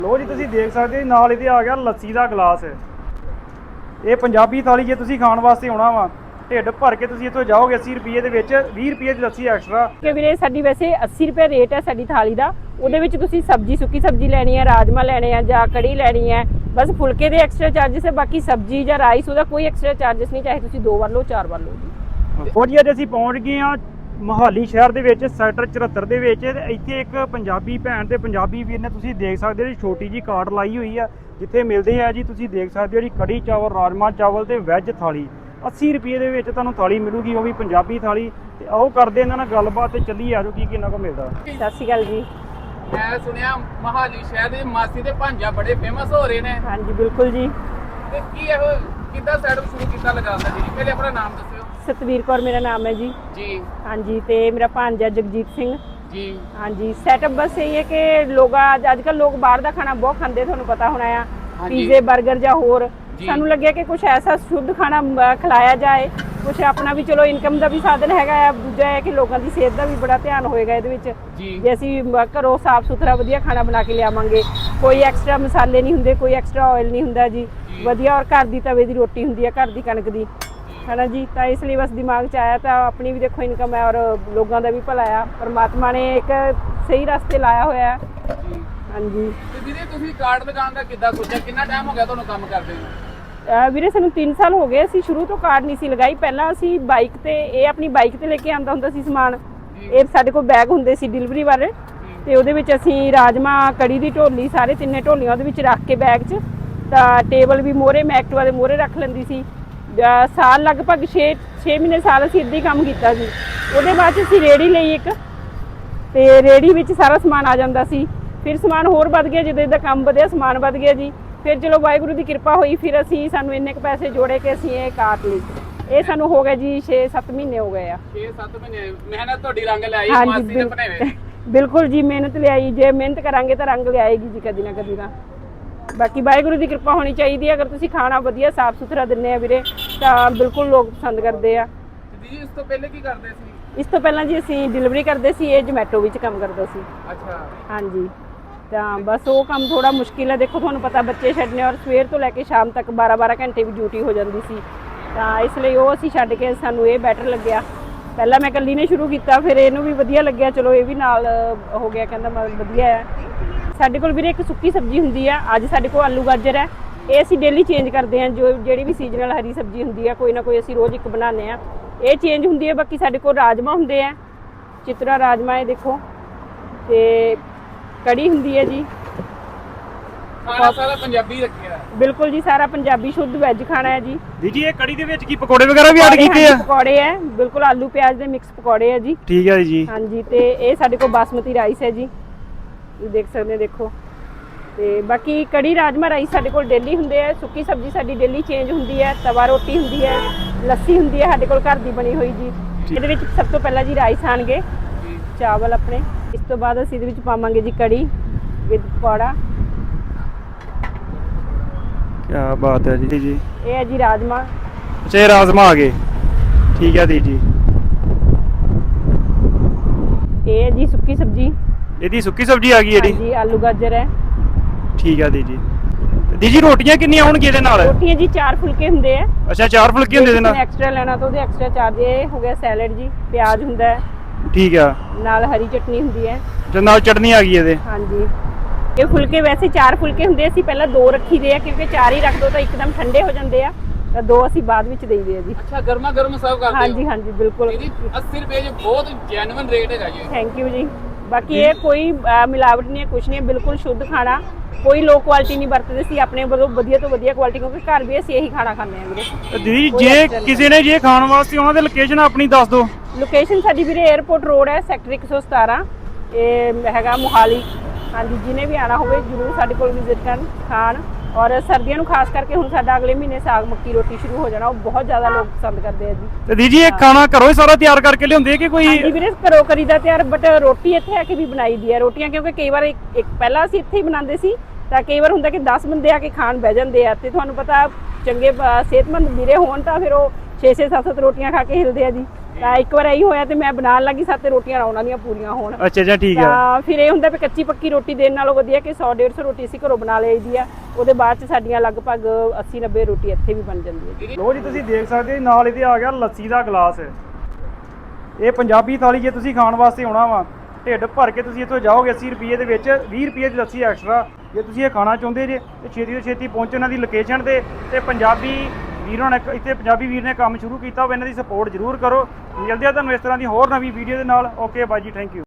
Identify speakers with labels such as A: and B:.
A: ਲੋ ਜੀ ਤੁਸੀਂ ਦੇਖ ਸਕਦੇ ਹੋ ਨਾਲ ਇਹਦੇ ਆ ਗਿਆ ਲੱਸੀ ਦਾ ਗਲਾਸ। ਇਹ ਪੰਜਾਬੀ ਥਾਲੀ ਜੇ ਤੁਸੀਂ ਖਾਣ ਵਾਸਤੇ ਆਉਣਾ ਵਾ ਢਿੱਡ ਭਰ ਕੇ ਤੁਸੀਂ ਇੱਥੋਂ ਜਾਓਗੇ 80 ਰੁਪਏ ਦੇ ਵਿੱਚ 20 ਰੁਪਏ ਦੀ ਲੱਸੀ ਐਕਸਟਰਾ।
B: ਕਿ ਵੀਰੇ ਸਾਡੀ ਵੈਸੇ 80 ਰੁਪਏ ਰੇਟ ਹੈ ਸਾਡੀ ਥਾਲੀ ਦਾ। ਉਹਦੇ ਵਿੱਚ ਤੁਸੀਂ ਸਬਜ਼ੀ ਸੁੱਕੀ ਸਬਜ਼ੀ ਲੈਣੀ ਹੈ, ਰਾਜਮਾ ਲੈਣੇ ਆ ਜਾਂ ਕੜੀ ਲੈਣੀ ਹੈ, ਬਸ ਫੁਲਕੇ ਦੇ ਐਕਸਟਰਾ ਚਾਰजेस ਹੈ। ਬਾਕੀ ਸਬਜ਼ੀ ਜਾਂ ਰਾਈਸ ਉਹਦਾ ਕੋਈ ਐਕਸਟਰਾ ਚਾਰजेस ਨਹੀਂ, ਚਾਹੇ ਤੁਸੀਂ 2 ਵਾਰ ਲਓ 4 ਵਾਰ ਲਓ ਜੀ।
A: ਉਹ ਜੀ ਅੱਜ ਅਸੀਂ ਪਹੁੰਚ ਗਏ ਆ ਮੋਹਾਲੀ ਸ਼ਹਿਰ ਦੇ ਵਿੱਚ ਸੈਕਟਰ 74 ਦੇ ਵਿੱਚ। ਇੱਥੇ ਇੱਕ ਪੰਜਾਬੀ ਭੈਣ ਤੇ ਪੰਜਾਬੀ ਵੀਰ ਨੇ ਤੁਸੀਂ ਦੇਖ ਸਕਦੇ ਹੋ ਜੀ ਛੋਟੀ ਜੀ ਕਾਰਟ ਲਾਈ ਹੋਈ ਆ ਜਿੱਥੇ ਮਿਲਦੇ ਆ ਜੀ ਤੁਸੀਂ ਦੇਖ ਸਕਦੇ ਹੋ ਜੀ ਕੜੀ ਚਾਵਲ, ਰਾਜਮਾ ਚਾਵਲ ਤੇ ਵੈਜ ਥਾਲੀ 80 ਰੁਪਏ ਦੇ ਵਿੱਚ ਤੁਹਾਨੂੰ ਥਾਲੀ ਮਿਲੂਗੀ, ਉਹ ਵੀ ਪੰਜਾਬੀ ਥਾਲੀ। ਤੇ ਆਓ ਕਰਦੇ ਇਹਨਾਂ ਨਾਲ ਗੱਲਬਾਤ ਤੇ ਚੱਲੀਏ ਆਜੋ ਕੀ ਕਿੰਨਾ ਕੁ ਮਿਲਦਾ।
B: ਸਤਿ ਸ਼੍ਰੀ ਅਕਾਲ ਜੀ।
C: ਮੈਂ ਸੁਣਿਆ ਮੋਹਾਲੀ ਸ਼ਹਿਰ ਦੇ ਮਾਸੀ ਦੇ ਭਾਂਜਾ ਬੜੇ ਫੇਮਸ ਹੋ ਰਹੇ ਨੇ।
B: ਹਾਂਜੀ ਬਿਲਕੁਲ ਜੀ।
C: ਤੇ ਕੀ ਇਹ ਕਿੱਦਾਂ ਸੈਟਅਪ ਸ਼ੁਰੂ ਕੀਤਾ ਲਗਾਉਂਦਾ ਜੀ? ਪਹਿਲੇ ਆਪਣਾ ਨਾਮ ਦੱਸਿਓ।
B: ਸਤਵੀਰ ਕੌਰ ਮੇਰਾ ਨਾਮ ਹੈ ਜੀ।
C: ਜੀ
B: ਹਾਂਜੀ ਤੇ ਮੇਰਾ ਭਾਂਜਾ ਜਗਜੀਤ ਸਿੰਘ
C: ਜੀ।
B: ਹਾਂਜੀ ਸੈਟਅਪ ਬਸ ਇਹ ਹੈ ਕਿ ਲੋਕ ਅੱਜ ਕੱਲ੍ਹ ਲੋਕ ਬਾਹਰ ਦਾ ਖਾਣਾ ਬਹੁਤ ਖਾਂਦੇ, ਤੁਹਾਨੂੰ ਪਤਾ ਹੋਣਾ ਆ,
C: ਹਾਂਜੀ।
B: ਪੀਜ਼ੇ ਬਰਗਰ ਜਾਂ ਹੋਰ।
C: ਜੀ।
B: ਸਾਨੂੰ ਲੱਗਿਆ ਕਿ ਕੁਝ ਐਸਾ ਸ਼ੁੱਧ ਖਾਣਾ ਖਿਲਾਇਆ ਜਾਏ, ਕੁਝ ਆਪਣਾ ਵੀ ਚਲੋ ਇਨਕਮ ਦਾ ਵੀ ਸਾਧਨ ਹੈਗਾ ਆ, ਦੂਜਾ ਹੈ ਕਿ ਲੋਕਾਂ ਦੀ ਸਿਹਤ ਦਾ ਵੀ ਬੜਾ ਧਿਆਨ ਹੋਏਗਾ ਇਹਦੇ ਵਿੱਚ।
C: ਜੀ।
B: ਜੇ ਅਸੀਂ ਘਰੋਂ ਸਾਫ਼ ਸੁਥਰਾ ਵਧੀਆ ਖਾਣਾ ਬਣਾ ਕੇ ਲਿਆਵਾਂਗੇ, ਕੋਈ ਐਕਸਟਰਾ ਮਸਾਲੇ ਨਹੀਂ ਹੁੰਦੇ, ਕੋਈ ਐਕਸਟਰਾ ਆਇਲ ਨਹੀਂ ਹੁੰਦਾ ਜੀ, ਵਧੀਆ ਔਰ ਘਰ ਦੀ ਤਵੇ ਦੀ ਰੋਟੀ ਹੁੰਦੀ ਹੈ, ਘਰ ਦੀ ਕਣਕ ਦੀ, ਹੈ ਨਾ ਜੀ। ਤਾਂ ਇਸ ਲਈ ਬਸ ਦਿਮਾਗ 'ਚ ਆਇਆ ਤਾਂ ਆਪਣੀ ਵੀ ਦੇਖੋ ਇਨਕਮ ਹੈ ਔਰ ਲੋਕਾਂ ਦਾ ਵੀ ਭਲਾ ਆ, ਪਰਮਾਤਮਾ ਨੇ ਇੱਕ ਸਹੀ ਰਸਤੇ ਲਾਇਆ ਹੋਇਆ ਹੈ। ਹਾਂਜੀ।
C: ਤੇ ਵੀਰੇ ਤੁਸੀਂ ਕਾਰਡ ਲਗਾਉਣ ਦਾ ਕਿੱਦਾਂ ਸੋਚਿਆ? ਕਿੰਨਾ ਟਾਈਮ ਹੋ ਗਿਆ ਤੁਹਾਨੂੰ ਕੰਮ ਕਰਦੇ ਨੂੰ?
B: ਵੀਰੇ ਸਾਨੂੰ 3 ਸਾਲ ਹੋ ਗਏ। ਅਸੀਂ ਸ਼ੁਰੂ ਤੋਂ ਕਾਰਡ ਨਹੀਂ ਸੀ ਲਗਾਈ। ਪਹਿਲਾਂ ਅਸੀਂ ਬਾਈਕ ਤੇ, ਇਹ ਆਪਣੀ ਬਾਈਕ ਤੇ ਲੈ ਕੇ ਆਉਂਦਾ ਹੁੰਦਾ ਸੀ ਸਮਾਨ। ਇਹ ਸਾਡੇ ਕੋਲ ਬੈਗ ਹੁੰਦੇ ਸੀ ਡਿਲੀਵਰੀ ਵਾਲੇ, ਤੇ ਉਹਦੇ ਵਿੱਚ ਅਸੀਂ ਰਾਜਮਾ, ਕੜੀ ਦੀ ਢੋਲੀ, ਸਾਰੇ ਤਿੰਨੇ ਢੋਲੀਆਂ ਉਹਦੇ ਵਿੱਚ ਰੱਖ ਕੇ ਬੈਗ 'ਚ, ਤਾਂ ਟੇਬਲ ਵੀ ਮੋਹਰੇ ਮੈਂ ਐਕਟਿਵਾ ਦੇ ਮੋਹਰੇ ਰੱਖ ਲੈਂਦੀ ਸੀ। ਸਾਲ ਲਗਭਗ 6 ਮਹੀਨੇ ਸਾਲ ਅਸੀਂ ਇੱਦਾਂ ਹੀ ਕੰਮ ਕੀਤਾ ਸੀ। ਉਹਦੇ ਬਾਅਦ 'ਚ ਅਸੀਂ ਰੇਹੜੀ ਲਈ ਇੱਕ, ਤੇ ਰੇਹੜੀ ਵਿੱਚ ਸਾਰਾ ਸਮਾਨ ਆ ਜਾਂਦਾ ਸੀ। ਫਿਰ ਸਮਾਨ ਹੋਰ ਵੱਧ ਗਿਆ, ਜਦੋਂ ਇਹਦਾ ਕੰਮ ਵਧਿਆ ਸਮਾਨ ਵੱਧ ਗਿਆ ਜੀ। ਫਿਰ ਚਲੋ ਵਾਹਿਗੁਰੂ ਦੀ ਕਿਰਪਾ ਹੋਈ, ਫਿਰ ਅਸੀਂ ਸਾਨੂੰ ਇੰਨੇ ਕੁ ਪੈਸੇ ਜੋੜੇ ਕਿ ਅਸੀਂ ਇਹ ਕਾਰਟ ਲਈ। ਇਹ ਸਾਨੂੰ ਹੋ ਗਿਆ ਜੀ 6-7 ਮਹੀਨੇ ਹੋ ਗਏ ਆ।
C: 6-7 ਮਹੀਨੇ ਮਿਹਨਤ ਤੁਹਾਡੀ ਰੰਗ ਲਿਆਈ
B: ਹਾਂਜੀ,
C: ਮਾਸੀ ਦੇ ਬਣਾਵੇ।
B: ਬਿਲਕੁਲ ਜੀ, ਮਿਹਨਤ ਲਿਆਈ। ਜੇ ਮਿਹਨਤ ਕਰਾਂਗੇ ਤਾਂ ਰੰਗ ਲਿਆਏਗੀ ਜੀ ਕਦੀ ਨਾ ਕਦੀ ਤਾਂ। ਬਾਕੀ ਵਾਹਿਗੁਰੂ ਦੀ ਕਿਰਪਾ ਹੋਣੀ ਚਾਹੀਦੀ ਹੈ। ਅਗਰ ਤੁਸੀਂ ਖਾਣਾ ਵਧੀਆ ਸਾਫ਼ ਸੁਥਰਾ ਦਿੰਦੇ ਆ ਵੀਰੇ ਤਾਂ ਬਿਲਕੁਲ ਲੋਕ ਪਸੰਦ ਕਰਦੇ ਆ।
C: ਜੀ ਇਸ ਤੋਂ ਪਹਿਲੇ ਕੀ ਕਰਦੇ ਸੀ?
B: ਇਸ ਤੋਂ ਪਹਿਲਾਂ ਜੀ ਅਸੀਂ ਡਿਲੀਵਰੀ ਕਰਦੇ ਸੀ, ਇਹ ਜੋਮੈਟੋ ਵਿੱਚ ਕੰਮ ਕਰਦਾ ਸੀ।
C: ਅੱਛਾ।
B: ਹਾਂਜੀ। ਤਾਂ ਬਸ ਉਹ ਕੰਮ ਥੋੜਾ ਮੁਸ਼ਕਿਲ ਹੈ, ਦੇਖੋ ਤੁਹਾਨੂੰ ਪਤਾ ਬੱਚੇ ਛੱਡਨੇ ਔਰ ਸਵੇਰ ਤੋਂ ਲੈ ਕੇ ਸ਼ਾਮ ਤੱਕ 12-12 ਘੰਟੇ ਵੀ ਡਿਊਟੀ ਹੋ ਜਾਂਦੀ ਸੀ, ਤਾਂ ਇਸ ਲਈ ਉਹ ਅਸੀਂ ਛੱਡ ਕੇ ਸਾਨੂੰ ਇਹ ਬੈਟਰ ਲੱਗਿਆ। ਪਹਿਲਾਂ ਮੈਂ ਇਕੱਲੀ ਨੇ ਸ਼ੁਰੂ ਕੀਤਾ, ਫਿਰ ਇਹਨੂੰ ਵੀ ਵਧੀਆ ਲੱਗਿਆ, ਚਲੋ ਇਹ ਵੀ ਨਾਲ ਹੋ ਗਿਆ, ਕਹਿੰਦਾ ਵਧੀਆ ਹੈ। ਸਾਡੇ ਕੋਲ ਵੀਰੇ ਇੱਕ ਸੁੱਕੀ ਸਬਜ਼ੀ ਹੁੰਦੀ ਆ, ਅੱਜ ਸਾਡੇ ਕੋਲ ਆਲੂ ਗਾਜਰ ਹੈ। ਇਹ ਅਸੀਂ ਡੇਲੀ ਚੇਂਜ ਕਰਦੇ ਹਾਂ, ਜਿਹੜੀ ਵੀ ਸੀਜ਼ਨਲ ਹਰੀ ਸਬਜ਼ੀ ਹੁੰਦੀ ਆ ਕੋਈ ਨਾ ਕੋਈ ਅਸੀਂ ਰੋਜ਼ ਇੱਕ ਬਣਾਉਂਦੇ ਹਾਂ, ਇਹ ਚੇਂਜ ਹੁੰਦੀ ਹੈ। ਬਾਕੀ ਸਾਡੇ ਕੋਲ ਰਾਜਮਾ ਹੁੰਦੇ ਆ, ਚਿਤਰਾ ਰਾਜਮਾ ਇਹ ਦੇਖੋ, ਤੇ ਕੜੀ ਹੁੰਦੀ ਹੈ ਜੀ।
C: ਖਾਣਾ ਸਾਰਾ ਪੰਜਾਬੀ ਰੱਖਿਆ।
B: ਬਿਲਕੁਲ ਜੀ, ਸਾਰਾ ਪੰਜਾਬੀ ਸ਼ੁੱਧ ਵੈਜ ਖਾਣਾ ਹੈ ਜੀ।
A: ਜੀ ਇਹ ਕੜੀ ਦੇ ਵਿੱਚ ਕੀ ਪਕੌੜੇ ਵਗੈਰਾ ਵੀ ਐਡ ਕੀਤੇ ਆ?
B: ਪਕੌੜੇ ਹੈ, ਬਿਲਕੁਲ ਆਲੂ ਪਿਆਜ਼ ਦੇ ਮਿਕਸ ਪਕੌੜੇ ਹੈ ਜੀ।
A: ਠੀਕ ਹੈ ਜੀ।
B: ਹਾਂਜੀ। ਤੇ ਇਹ ਸਾਡੇ ਕੋਲ ਬਾਸਮਤੀ ਰਾਈਸ ਹੈ ਜੀ, ਇਹ ਦੇਖ ਸਕਦੇ ਦੇਖੋ। ਤੇ ਬਾਕੀ ਕੜੀ ਰਾਜਮਾ ਰਾਈਸ ਸਾਡੇ ਕੋਲ ਡੇਲੀ ਹੁੰਦੇ ਆ। ਸੁੱਕੀ ਸਬਜ਼ੀ ਸਾਡੀ ਡੇਲੀ ਚੇਂਜ ਹੁੰਦੀ ਹੈ, ਤਵਾ ਰੋਟੀ ਹੁੰਦੀ ਹੈ, ਲੱਸੀ ਹੁੰਦੀ ਹੈ ਸਾਡੇ ਕੋਲ ਘਰ ਦੀ ਬਣੀ ਹੋਈ ਜੀ। ਇਹਦੇ ਵਿੱਚ ਸਭ ਤੋਂ ਪਹਿਲਾਂ ਜੀ ਰਾਈਸ ਆਣਗੇ, ਚਾਵਲ ਆਪਣੇ, ਇਸ ਤੋਂ ਬਾਅਦ ਅਸੀਂ ਇਹਦੇ ਵਿੱਚ ਪਾਵਾਂਗੇ ਜੀ ਕੜੀ ਵਿਦ ਪਕੌੜਾ।
A: ਕੀ ਬਾਤ ਹੈ ਜੀ। ਜੀ
B: ਇਹ ਹੈ ਜੀ ਰਾਜਮਾ।
A: ਅੱਛਾ ਇਹ ਰਾਜਮਾ ਆ ਗਏ, ਠੀਕ ਹੈ ਜੀ।
B: ਇਹ ਹੈ ਜੀ ਸੁੱਕੀ ਸਬਜ਼ੀ,
A: ਇਹਦੀ ਸੁੱਕੀ ਸਬਜ਼ੀ ਆ ਗਈ ਜਿਹੜੀ।
B: ਹਾਂਜੀ ਆਲੂ ਗਾਜਰ ਹੈ।
A: ਠੀਕ ਹੈ ਜੀ ਰੋਟੀਆਂ ਕਿੰਨੀਆਂ ਹੋਣਗੀਆਂ ਇਹਦੇ ਨਾਲ?
B: ਰੋਟੀਆਂ ਜੀ 4 ਫੁਲਕੇ ਹੁੰਦੇ ਆ।
A: ਅੱਛਾ 4 ਫੁਲਕੇ ਹੁੰਦੇ ਇਹਦੇ ਨਾਲ।
B: ਐਕਸਟਰਾ ਲੈਣਾ ਤਾਂ ਉਹਦੇ ਐਕਸਟਰਾ ਚਾਰਜ। ਇਹ ਹੋ ਗਿਆ ਸੈਲਡ ਜੀ, ਪਿਆਜ਼ ਹੁੰਦਾ ਹੈ,
A: ਠੀਕ ਆ, ਨਾਲ
B: ਹਰੀ ਚਟਨੀ ਹੁੰਦੀ ਹੈ,
A: ਤੇ ਨਾਲ ਚਟਨੀ ਆ ਗਈ ਇਹਦੇ।
B: ਹਾਂਜੀ। ਇਹ ਫੁਲਕੇ ਵੈਸੇ 4 ਫੁਲਕੇ ਹੁੰਦੇ, ਅਸੀਂ ਪਹਿਲਾਂ 2 ਰੱਖੀਦੇ ਆ ਕਿਉਂਕਿ 4 ਹੀ ਰੱਖ ਦੋ ਤਾਂ ਇੱਕਦਮ ਠੰਡੇ ਹੋ ਜਾਂਦੇ ਆ, ਤਾਂ 2 ਅਸੀਂ ਬਾਅਦ ਵਿੱਚ ਦੇਈਦੇ ਆ ਜੀ।
C: ਅੱਛਾ ਗਰਮਾ ਗਰਮ ਸਰਵ ਕਰਦੇ ਹੋ?
B: ਹਾਂਜੀ ਹਾਂਜੀ ਬਿਲਕੁਲ।
C: ਇਹਦੀ 80 ਰੁਪਏ ਜੀ ਬਹੁਤ ਜੈਨੂਇਨ ਰੇਟ ਹੈਗਾ ਜੀ।
B: ਥੈਂਕ ਯੂ ਜੀ। ਬਾਕੀ ਇਹ ਕੋਈ ਮਿਲਾਵਟ ਨਹੀਂ ਹੈ, ਕੁਛ ਨਹੀਂ ਹੈ, ਬਿਲਕੁਲ ਸ਼ੁੱਧ ਖਾਣਾ, ਕੋਈ ਲੋ ਕੁਆਲਿਟੀ ਨਹੀਂ ਵਰਤਦੇ ਸੀ ਆਪਣੇ ਵੱਲੋਂ, ਵਧੀਆ ਤੋਂ ਵਧੀਆ ਕੁਆਲਿਟੀ, ਕਿਉਂਕਿ ਘਰ ਵੀ ਅਸੀਂ ਇਹੀ ਖਾਣਾ ਖਾਂਦੇ ਹਾਂ ਵੀਰੇ।
A: ਦੀਦੀ ਜੇ ਕਿਸੇ ਨੇ ਜੇ ਖਾਣ ਵਾਸਤੇ ਆਉਣਾ ਤੇ ਲੋਕੇਸ਼ਨ ਆਪਣੀ ਦੱਸ ਦਿਓ।
B: ਲੋਕੇਸ਼ਨ ਸਾਡੀ ਵੀਰੇ 에ਅਰਪੋਰਟ ਰੋਡ ਹੈ, ਸੈਕਟਰ 117, ਇਹ ਹੈਗਾ ਮੋਹਾਲੀ। ਹਾਂਜੀ, ਜਿਹਨੇ ਵੀ ਆਣਾ ਹੋਵੇ ਜ਼ਰੂਰ ਸਾਡੇ ਕੋਲ ਵਿਜ਼ਿਟ ਕਰਨ, ਖਾਣ। ਔਰ ਸਰਦੀਆਂ ਨੂੰ ਖਾਸ ਕਰਕੇ ਹੁਣ ਸਾਡਾ ਅਗਲੇ ਮਹੀਨੇ ਸਾਗ ਮੱਕੀ ਰੋਟੀ ਸ਼ੁਰੂ ਹੋ ਜਾਣਾ, ਉਹ ਬਹੁਤ ਜ਼ਿਆਦਾ ਲੋਕ ਪਸੰਦ ਕਰਦੇ ਆ ਜੀ।
A: ਤੇ ਦੀਦੀ ਇਹ ਖਾਣਾ ਘਰੋਂ ਹੀ ਸਾਰਾ ਤਿਆਰ ਕਰਕੇ ਲਿਆਉਂਦੇ ਕਿ ਕੋਈ?
B: ਹਾਂਜੀ ਵੀਰੇ ਘਰੋਂ ਕਰੀਦਾ ਤਿਆਰ, ਬਟ ਰੋਟੀ ਇੱਥੇ ਆ ਕੇ ਵੀ ਬਣਾਈ ਦੀ ਹੈ। ਰੋਟੀਆਂ ਕਿਉਂਕਿ ਕਈ ਵਾਰ ਇੱਕ ਪਹਿਲਾਂ ਅਸੀਂ ਇੱਥੇ ਹੀ ਬਣਾਉਂਦੇ ਸੀ, ਤਾਂ ਕਈ ਵਾਰ ਹੁੰਦਾ ਕਿ 10 ਬੰਦੇ ਆ ਕੇ ਖਾਣ ਬਹਿ ਜਾਂਦੇ ਆ, ਤੇ ਤੁਹਾਨੂੰ ਪਤਾ ਚੰਗੇ ਸਿਹਤਮੰਦ ਵੀਰੇ ਹੋਣ ਤਾਂ ਫਿਰ ਉਹ 6-6 7-7 ਰੋਟੀਆਂ ਖਾ ਕੇ ਹਿਲਦੇ ਆ ਜੀ। ਤਾਂ ਇੱਕ ਵਾਰ ਇਹੀ ਹੋਇਆ ਤੇ ਮੈਂ ਬਣਾਉਣ ਲੱਗੀ ਸਾਤੇ ਰੋਟੀਆਂ ਉਹਨਾਂ ਦੀਆਂ ਪੂਰੀਆਂ ਹੋਣ।
A: ਅੱਛਾ ਅੱਛਾ ਠੀਕ ਆ।
B: ਤਾਂ ਫਿਰ ਇਹ ਹੁੰਦਾ ਵੀ ਕੱਚੀ ਪੱਕੀ ਰੋਟੀ ਦੇਣ ਨਾਲੋਂ ਵਧੀਆ ਕਿ 100-150 ਰੋਟੀ ਅਸੀਂ ਘਰੋਂ ਬਣਾ ਲਈਦੀ ਆ, ਉਹਦੇ ਬਾਅਦ ਚ ਸਾਡੀਆਂ ਲਗਭਗ 80-90 ਰੋਟੀ ਇੱਥੇ ਵੀ ਬਣ ਜਾਂਦੀ ਹੈ।
A: ਲੋ ਜੀ ਤੁਸੀਂ ਦੇਖ ਸਕਦੇ ਹੋ ਨਾਲ ਇਹਦੇ ਆ ਗਿਆ ਲੱਸੀ ਦਾ ਗਲਾਸ। ਇਹ ਪੰਜਾਬੀ ਥਾਲੀ ਜੇ ਤੁਸੀਂ ਖਾਣ ਵਾਸਤੇ ਆਉਣਾ ਵਾ, ਢਿੱਡ ਭਰ ਕੇ ਤੁਸੀਂ ਇੱਥੋਂ ਜਾਓਗੇ 80 ਰੁਪਏ ਦੇ ਵਿੱਚ 20 ਰੁਪਏ ਦੀ ਲੱਸੀ ਐਕਸਟਰਾ। ਜੇ ਤੁਸੀਂ ਇਹ ਖਾਣਾ ਚਾਹੁੰਦੇ ਜੇ ਤੇ ਛੇਤੀ ਤੋਂ ਛੇਤੀ ਪਹੁੰਚੋ ਇਹਨਾਂ ਦੀ ਲੋਕੇਸ਼ਨ ਤੇ ਪੰਜਾਬੀ ਵੀਰਾਂ ਨੇ ਇੱਥੇ ਪੰਜਾਬੀ ਵੀਰ ਨੇ ਕੰਮ ਸ਼ੁਰੂ ਕੀਤਾ ਹੋਵੇ, ਇਹਨਾਂ ਦੀ ਸਪੋਰਟ ਜ਼ਰੂਰ ਕਰੋ। ਮਿਲਦੇ ਆ ਤੁਹਾਨੂੰ ਇਸ ਤਰ੍ਹਾਂ ਦੀ ਹੋਰ ਨਵੀਂ ਵੀਡੀਓ ਦੇ ਨਾਲ। ਓਕੇ ਬਾਈ ਜੀ, ਥੈਂਕ ਯੂ।